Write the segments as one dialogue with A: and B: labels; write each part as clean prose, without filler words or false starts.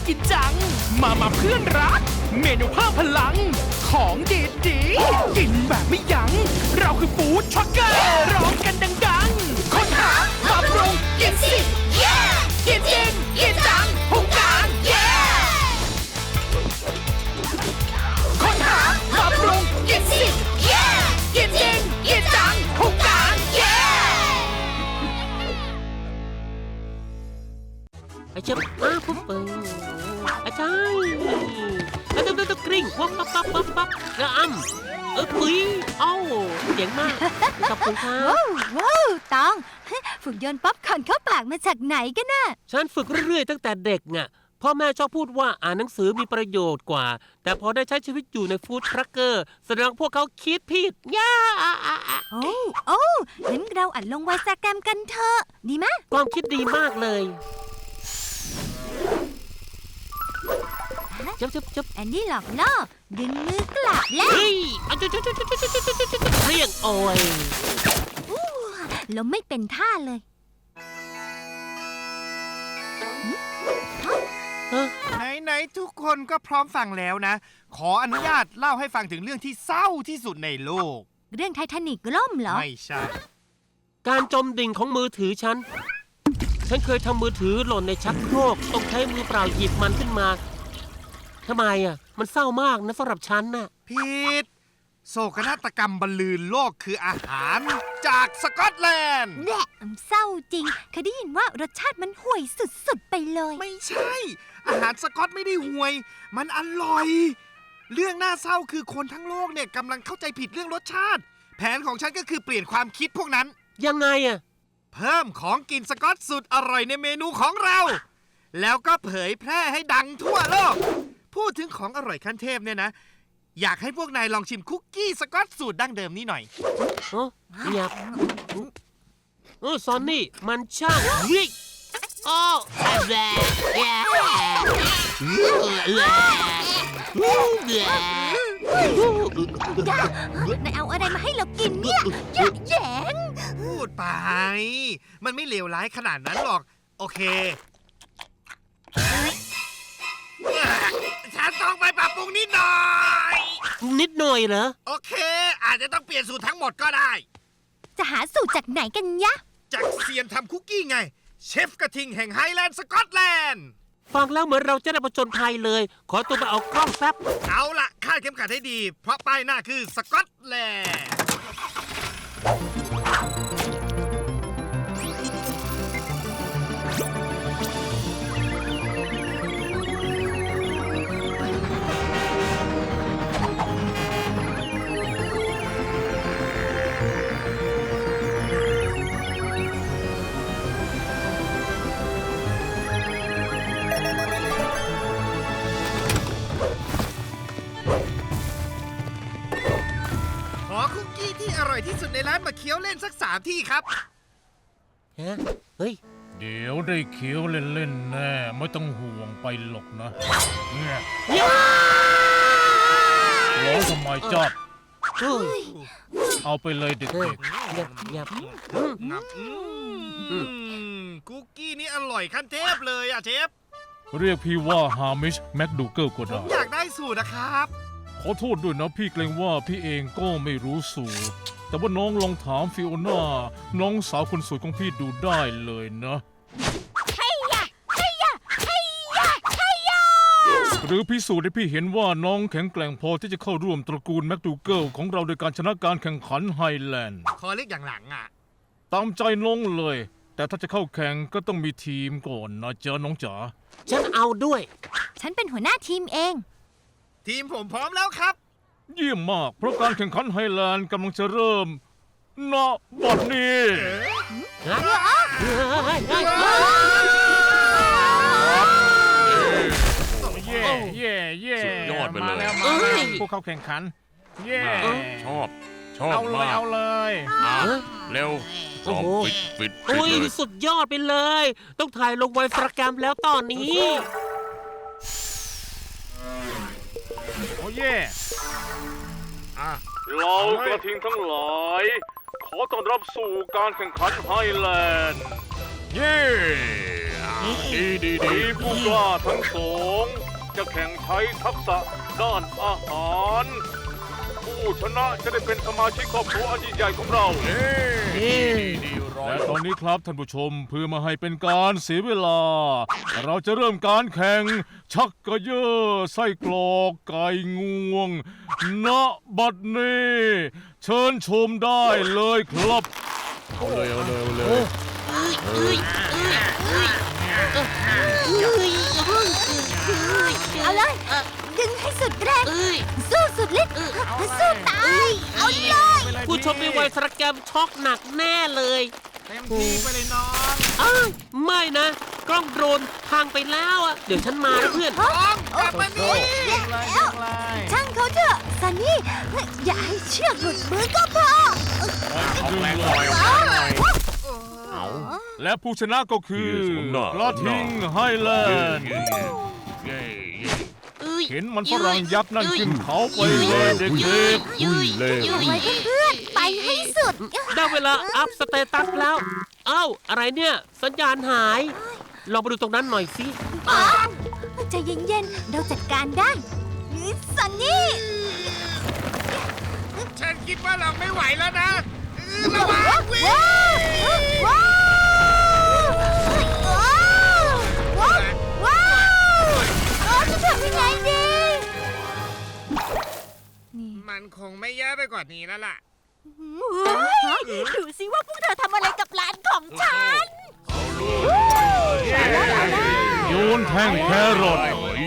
A: กินจังมาเพื่อนรักเมนูเพิ่มพลังของดีๆกินแบบไม่ยั้งเราคือฟู้ดทรัคเกอร์ร้องกันดังๆค้นหาปรับปรุงกินสิเย่กินจริงกินจังพุงกลางเย่ค้นหาปรับปรุงกินสิเย่กินจริงกินจังพุงกลางเย่
B: ไอ้เจ็บปุ๊บไอ้ใช่ไอ้ตุ๊กกริ่งวับปั๊บกระปุ๋ยเอ้าเจ๋งมากขอบคุณครับ
C: ว้าวตองฝึกโยนป๊อปคอร์นเข้าปากมาจากไหนกันน่ะ
B: ฉันฝึกเรื่อยๆตั้งแต่เด็กน่ะพ่อแม่ชอบพูดว่าอ่านหนังสือมีประโยชน์กว่าแต่พอได้ใช้ชีวิตอยู่ในฟู้ดทรัคเกอร์แสดงพวกเขาคิดผิดย่า
C: โอ้งั้นเราอัดลงไวซาแกรมกันเถอะดีไหม
B: ความคิดดีมากเลยจับ
C: แอนดี้หลอกล่อดึงมือกลับแล้ว
B: เฮ้ยเรียงโอย
C: ล้มไม่เป็นท่าเลย
D: ไหนทุกคนก็พร้อมฟังแล้วนะขออนุญาตเล่าให้ฟังถึงเรื่องที่เศร้าที่สุดในโลก
C: เรื่องไททานิกล่มเหรอ
D: ไม่ใช่
B: การจมดิ่งของมือถือฉันเคยทำมือถือหล่นในชักโครกต้องใช้มือเปล่าหยิบมันขึ้นมาทำไมอ่ะมันเศร้ามากนะสำหรับฉันน่ะ
D: ผิดโศกนาฏกรรมบรรลือโลกคืออาหารจากสกอตแลนด์
C: แหละเศร้าจริงเคยได้ยินว่ารสชาติมันห่วยสุดๆไปเลย
D: ไม่ใช่อาหารสกอตไม่ได้ห่วยมันอร่อยเรื่องน่าเศร้าคือคนทั้งโลกเนี่ยกำลังเข้าใจผิดเรื่องรสชาติแผนของฉันก็คือเปลี่ยนความคิดพวกนั้น
B: ยังไงอ่ะ
D: เพิ่มของกินสกอตสุดอร่อยในเมนูของเราแล้วก็เผยแพร่ให้ดังทั่วโลกพูดถึงของอร่อยขั้นเทพเนี่ยนะอยากให้พวกนายลองชิมคุกกี้สกอตสูตรดั้งเดิมนี้หน่อย
B: อยากซอนนี่มันช่างวิกแย่
C: นายเอาอะไรมาให้เรากินเนี่ยแย่ง
D: พูดไปมันไม่เลวร้ายขนาดนั้นหรอกโอเคฉันต้องไปปรับปรุงนิดหน่อย
B: เหรอ
D: โอเคอาจจะต้องเปลี่ยนสูตรทั้งหมดก็ได้
C: จะหาสูตรจากไหนกันยะ
D: จากเซียนทำคุกกี้ไงเชฟกระทิงแห่งไฮแลนด์สกอตแลนด์
B: ฟังแล้วเหมือนเราจะได้ผจญภัยเลยขอตัวไปเอากล้องแป๊บ
D: เอาล่ะคาดเข็มขัดให้ดีเพราะป้ายหน้าคือสกอตแลนด์อร่อยที่สุดในร้านมาเคี้ยวเล่นสัก3 ที่ครับ
B: เฮ้ย
E: เดี๋ยวได้เคี้ยวเล่นๆแน่ไม่ต้องห่วงไปหรอกนะเนี่ยร้องทำไมจอดเอาไปเลยเด็ก
D: ๆคุกกี้นี้อร่อยขั้นเทพเลยอ่ะเชฟ
E: เรียกพี่ว่าฮามิชแม็กดูเกิลก็ได้
D: อยากได้สูตรนะครับ
E: ขอโทษด้วยนะพี่เกรงว่าพี่เองก็ไม่รู้สูตรแต่ว่าน้องลองถามฟิโอน่าน้องสาวคนสวยของพี่ดูได้เลยนะหรือพิสูจน์ให้พี่เห็นว่าน้องแข็งแกร่งพอที่จะเข้าร่วมตระกูลแม็กดูเกิลของเราโดยการชนะการแข่งขันไฮแลนด์
D: ขอเลือกอย่างหลังอ่ะ
E: ตามใจน้องเลยแต่ถ้าจะเข้าแข่งก็ต้องมีทีมก่อนนะจ๊ะน้องจ๋า
B: ฉันเอาด้วย
C: ฉันเป็นหัวหน้าทีมเอง
D: ทีมผมพร้อมแล้วครับ
E: เยี่ยมมากเพราะการแข่งขันไฮแลนด์กำลังจะเริ่มณบัดนี้เย่
F: สุดยอดไปเลย
E: ผู้เข้าแข่งขันเย่
F: ชอบ
E: เอาเลย
F: เร็วฟิต
B: เลยสุดยอดไปเลยต้องถ่ายลงไวฟรแกรมแล้วตอนนี้
E: โอ้เย่เรากระทิงทั้งหลายขอต้อนรับสู่การแข่งขันไฮแลนด์เย่
F: ดี
E: ทีมผู้กล้าทั้งสองจะแข่งใช้ทักษะด้านอาหาร ผู้ชนะจะได้เป็นสมาชิกครอบครัวอันยิ่งใหญ่ของเรา
F: ดีร้อย
E: และตอนนี้ครับท่านผู้ชมเพื่อไมาให้เป็นการเสียเวลา เราจะเริ่มการแข่งชักกระเยอะไส้กรอกไก่งวงณบัดนี้เชิญชมได้เลยครับ
F: เอาเลย
C: เอาเลย ดึงให้สุดแรง สู้สุดฤทธิ์สู้ตาย เอาเลย
B: ผู้ชมในวัยสระแกรมช็อกหนักแน่เลย
D: เต็มที่ไปเลยน้อง
B: อ้าวไม่นะ กล้องโดรนพังไปแล้วอ่ะ เดี๋ยวฉันมานะเพื่อน
D: น้องกลับมานี่
C: แล้วช่างเขาเถอะซันนี่ อย่าให้เชือกหลุดมือก็พอ
F: เอาแรงหน่อย
E: และผู้ชนะก็คือกระทิงไฮแลนด์เห็นมันฝรั่งยักษ์นั่นขึ้นเขาไปเลยเด็ก
C: ไว้เพื่อนๆไปให้สุด
B: ได้เวลาอัพสเตตัสแล้ว เอ้า อะไรเนี่ย สัญญาณหาย ลองไปดูตรงนั้นหน่อยสิ
C: ใจเย็นๆ เราจัดการได้ซันนี่
D: ฉันคิดว่าเราไม่ไหวแล้วนะระวังวิ่ง
C: ว้าวว้าวว้าวจะทำยังไงดีนี่
D: มันคงไม่แย่ไปกว่านี้แล้วล่ะ
C: ดูสิว่าพวกเธอทำอะไรกับร้านของฉัน
E: โยนแท่งแครอท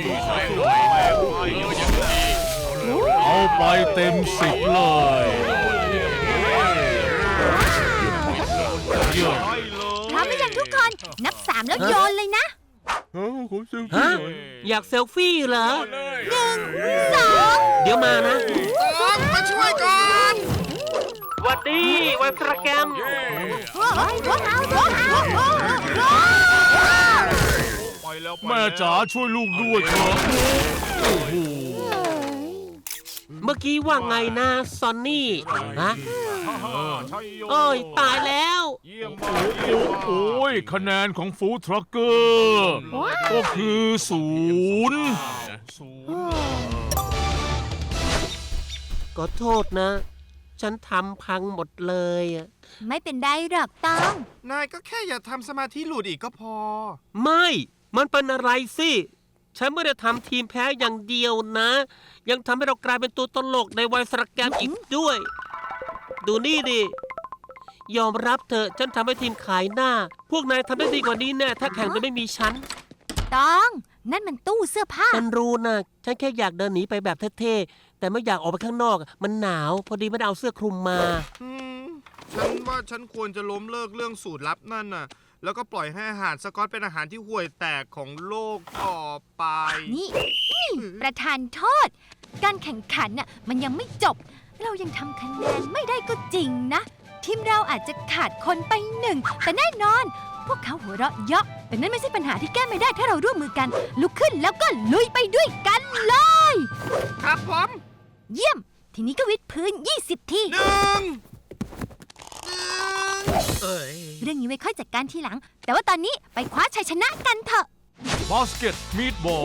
E: เอาไปเต็ม10เลยเยี่ยม
C: พร้อมหรือยังทุกคน นับ3แล้วโยนเลยนะ
B: ฮะ อยากเซลฟี่เหรอ
C: 2
B: เดี๋ยวมานะ
D: ต้องมาช่วยก่อน
B: หวัดดีวัยสระแกรม
E: แม่จ๋าช่วยลูกด้วยเถอะโอ้โห
B: เมื่อกี้ว่าไงนะซอนนี่ ฮะโอ้ย ตายแล้ว
E: โอ้ยคะแนนของฟู้ดทรัคเกอร์ก็คือ0
B: ขอโทษนะ ฉันทำพังหมดเลยอะ
C: ไม่เป็นไรหรอกต้อง
D: นายก็แค่อย่าทำสมาธิหลุดอีกก็พอ
B: ไม่ มันเป็นอะไรสิ ฉันไม่ได้ทำทีมแพ้อย่างเดียวนะ ยังทำให้เรากลายเป็นตัวตลกในวัยสระแกรมอีกด้วย ดูนี่ดิ ยอมรับเถอะ ฉันทำให้ทีมขายหน้า พวกนายทำได้ดีกว่านี้แน่ถ้าแข่งโดยไม่มีฉัน
C: ต้อง นั่นมันตู้เสื้อผ้า
B: ฉันรู้นะ ฉันแค่อยากเดินหนีไปแบบเท่ๆ แต่ไม่อยากออกไปข้างนอก มันหนาว พอดีไม่ได้เอาเสื้อคลุมมา
D: ฉันว่าฉันควรจะล้มเลิกเรื่องสูตรลับนั่นน่ะ แล้วก็ปล่อยให้อาหารสกอตเป็นอาหารที่ห่วยแตกของโลกต่อไป
C: นี่ ประธานโทษ การแข่งขันน่ะมันยังไม่จบ เรายังทำคะแนนไม่ได้ก็จริงนะ ทีมเราอาจจะขาดคนไป1 แต่แน่นอน พวกเขาหัวเราะเยาะแต่นั่นไม่ใช่ปัญหาที่แก้ไม่ได้ถ้าเราร่วมมือกัน ลุกขึ้นแล้วก็ลุยไปด้วยกันเลย
D: ครับผม
C: เยี่ยม ทีนี้ก็วิดพื้น 20 ที เรื่องนี้ไว้ค่อยจัดการทีหลัง แต่ว่าตอนนี้ไปคว้าชัยชนะกันเถอะ
E: บาสเกตมีดบอล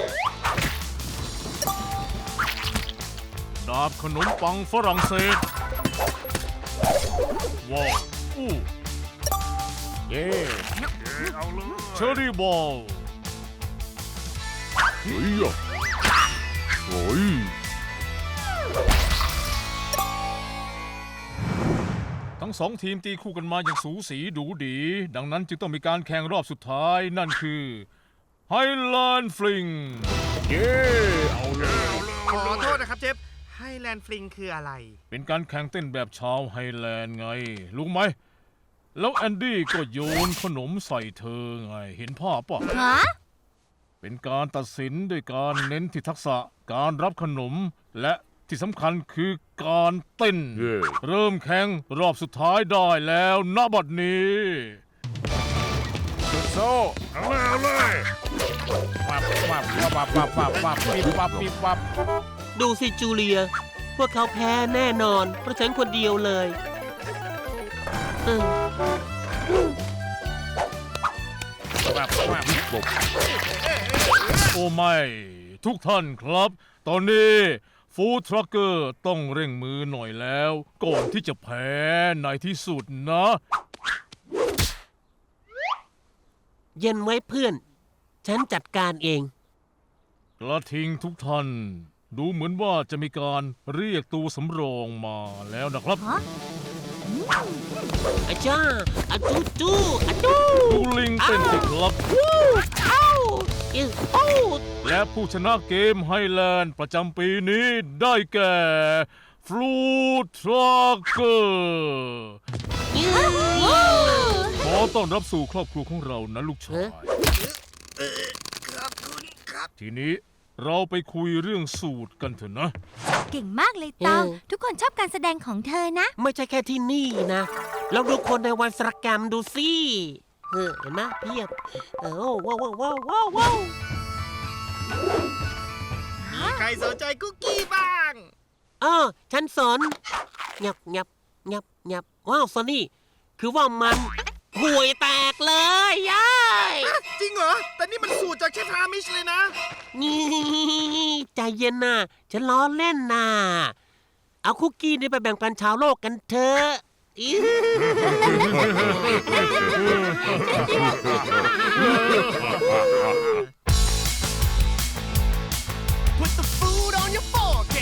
E: ดาบขนมปังฝรั่งเศสว้าวอู้
F: เย้
E: เชอรี่บอล
F: เฮ้ยโอ้ย
E: ทั้งสองทีมตีคู่กันมาอย่างสูสีดูดี ดังนั้นจึงต้องมีการแข่งรอบสุดท้ายนั่นคือไฮแลนด์ฟลิง
F: เย้เอาเลย
D: ขอโทษนะครับเจฟไฮแลนด์ฟลิงคืออะไร
E: เป็นการแข่งเต้นแบบชาวไฮแลนด์ไง รู้ไหม แล้วแอนดี้ก็โยนขนมใส่เธอไง เห็นภาพปะ
C: ฮะ
E: เป็นการตัดสินด้วยการเน้นที่ทักษะการรับขนม และที่สำคัญคือการเต้น
F: เย้
E: เริ่มแข่งรอบสุดท้ายได้แล้วณบัดนี้
F: สุดโซ่เอาเลยวับวับวับวับวับวับปิบวับปิบวับ
B: ดูสิจูเลีย พวกเขาแพ้แน่นอน เพราะฉันคนเดียวเลย
E: โอ้ไม่ ทุกท่านครับ ตอนนี้ฟู้ดทรัคเกอร์ต้องเร่งมือหน่อยแล้ว ก่อนที่จะแพ้ในที่สุดนะ
B: เย็นไว้เพื่อน ฉันจัดการเอง
E: กระทิงทุกท่าน ดูเหมือนว่าจะมีการเรียกตัวสำรองมาแล้วนะครับ
B: อาจ้าอาจูจูอาจู
E: ดูลิงเต้นสิครับ
B: เอ้าอิวโอ้
E: และผู้ชนะเกมไฮแลนด์ประจำปีนี้ได้แก่ฟลูทรัคเกอร์
B: อิว
E: ขอต้อนรับสู่ครอบครัวของเรานะลูกชาย
D: ขอบคุณครับ
E: ทีนี้เราไปคุยเรื่องสูตรกันเถอะนะ
C: เก่งมากเลยตอง ทุกคนชอบการแสดงของเธอนะ
B: ไม่ใช่แค่ที่นี่นะลองดูคนในวันสรกรรมดูสิเห็นไหมเพียบว้าวว้าวว้าวว้าวว้าว
D: มีใครสนใจคุกกี้บ้าง
B: ฉันสอนงับงับงับงับว้าวซอนนี่ คือว่ามันห่วยแตกเลยย้าย
D: จริงเหรอ แต่นี่มันสูตรจากเชฟฮามิชเลยนะ
B: นี่ใจเย็นนะฉันล้อเล่นนะเอาคุกกี้นี่ไปแบ่งปันชาวโลกกันเถอะอิ๊ว
A: Put the food on your fork